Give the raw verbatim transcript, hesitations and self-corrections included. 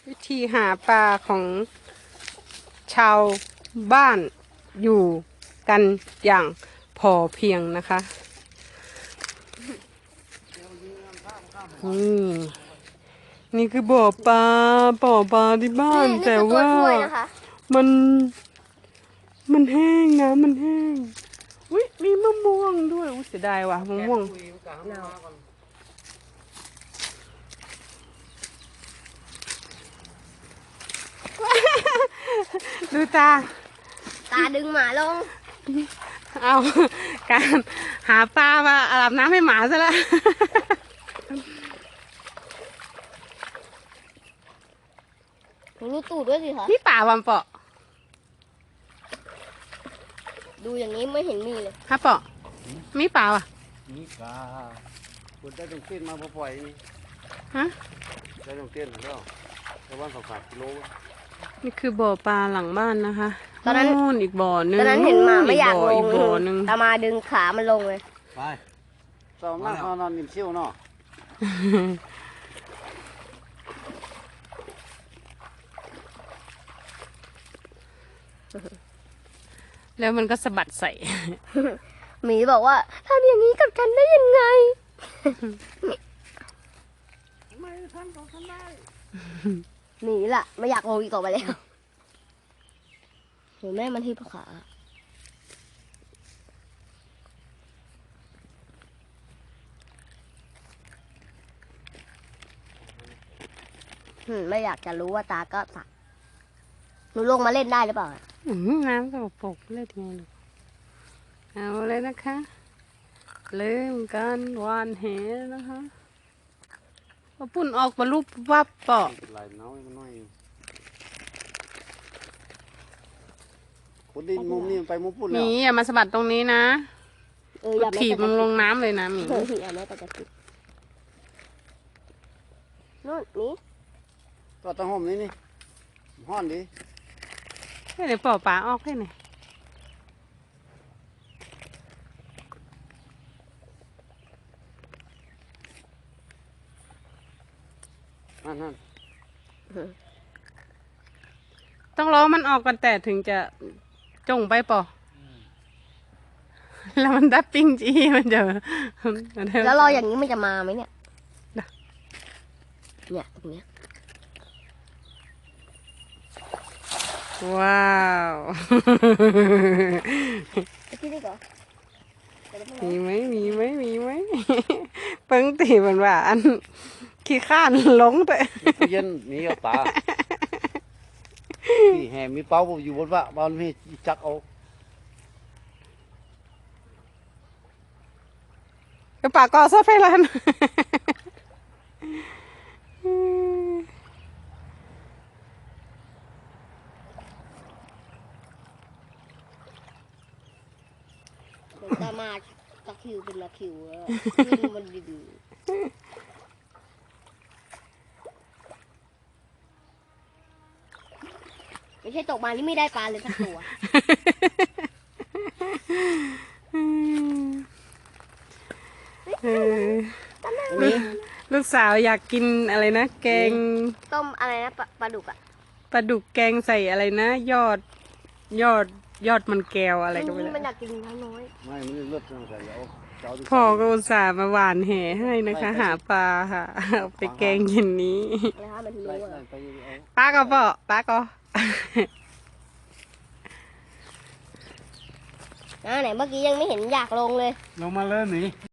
วิธีหาปลาของชาวบ้านอยู่กันอย่างพอเพียงนะคะนี่นี่คือบ่อปลาบ่อปลาที่บ้านแต่ว่ามันมันแห้งนะมันแห้งอุ้ยมีมะม่วงด้วยอุ้ยเสียดายว่ะมะม่วงดูตาตาดึงหมาลงเอาการหาปลามาอาบน้ำให้หมาซะแล้วรู้ตูดด้วยสิคะนี่ป่าวันเปาะดูอย่างนี้ไม่เห็นมีเลยฮะเปาะมีป่าว่ะมีปลาคุณได้ตรงเต้นมาพอปล่อยนี่ฮะได้ตรงเต้นแล้วแต่ว่าสองสามกิโลนี่คือบ่อปลาหลังบ้านนะคะตอนนั้นอีกบ่อนึงตอนนั้นเห็นหมาไม่อยากลงบ่อนึงตามาดึงขามันลงเลยไปสองนั่งนอนนิ่มเชี่ยวเนาะแล้วมันก็สะบัดใส่หมีบอกว่าทำอย่างนี้กับฉันได้ยังไงไม่ทำของฉันได้หนีล่ะไม่อยากลงอีกต่อไปแล้วหนูแม่มันที่ปะขาไม่อยากจะรู้ว่าตาก็ตักหนูลงมาเล่นได้หรือเปล่าน้ำสกปรกเล่นไงลูกเอาเลยนะคะเริ่มการวานแหนะคะพอปุ่นออกมาลุบวับเปาะไหลน้อยมันน้อยคนดินมุมนี้ไปมุมปุ่นแล้วมีอย่ามาสะบัดตรงนี้นะถีบมันลงน้ำเลยนะมีอย่าแม่ตะกิดนู่นนี่ก็ต้องห่มนี่นี่ห้อนดิให้เดี๋ยวปล่อยปลาออกให้หน่อยนั่นนั่นต้องรอมันออกกันแต่ถึงจะจงไปปอแล้วมันดับปิ้งจีมันจะแล้วรออย่างนี้มันจะมาไหมเนี่ยเนี่ยตรงเนี้ยว้าวมีไหมมีไหมมีไหมเปิ้งตีมันว่าอันขี้ข้านหลงแต่เย็นมีเอาตาที่แห่มีเป้าอยู่บนว่าบ้านมีจักเอากระปากก็ซอฟไฟลันตามาตะคิวเป็นตะคิวมันดีไม่ใช่ตกมานี่ไม่ได้ปลาเลยสักตัวลูกสาวอยากกินอะไรนะแกงต้มอะไรนะปลาดุกอะปลาดุกแกงใส่อะไรนะยอดยอดยอดมันแก้วอะไรก็ไม่รู้มันอยากกินน้อยไม่ไม่เลือดใส่แล้วพ่อก็อุตส่าห์มาหวานแหให้นะคะหาปลาค่ะเอาไปแกงเย็นนี้ป้าก็ปะป้าก็ไหนเมื่อกี้ยังไม่เห็นอยากลงเลยลงมาเลยหนิ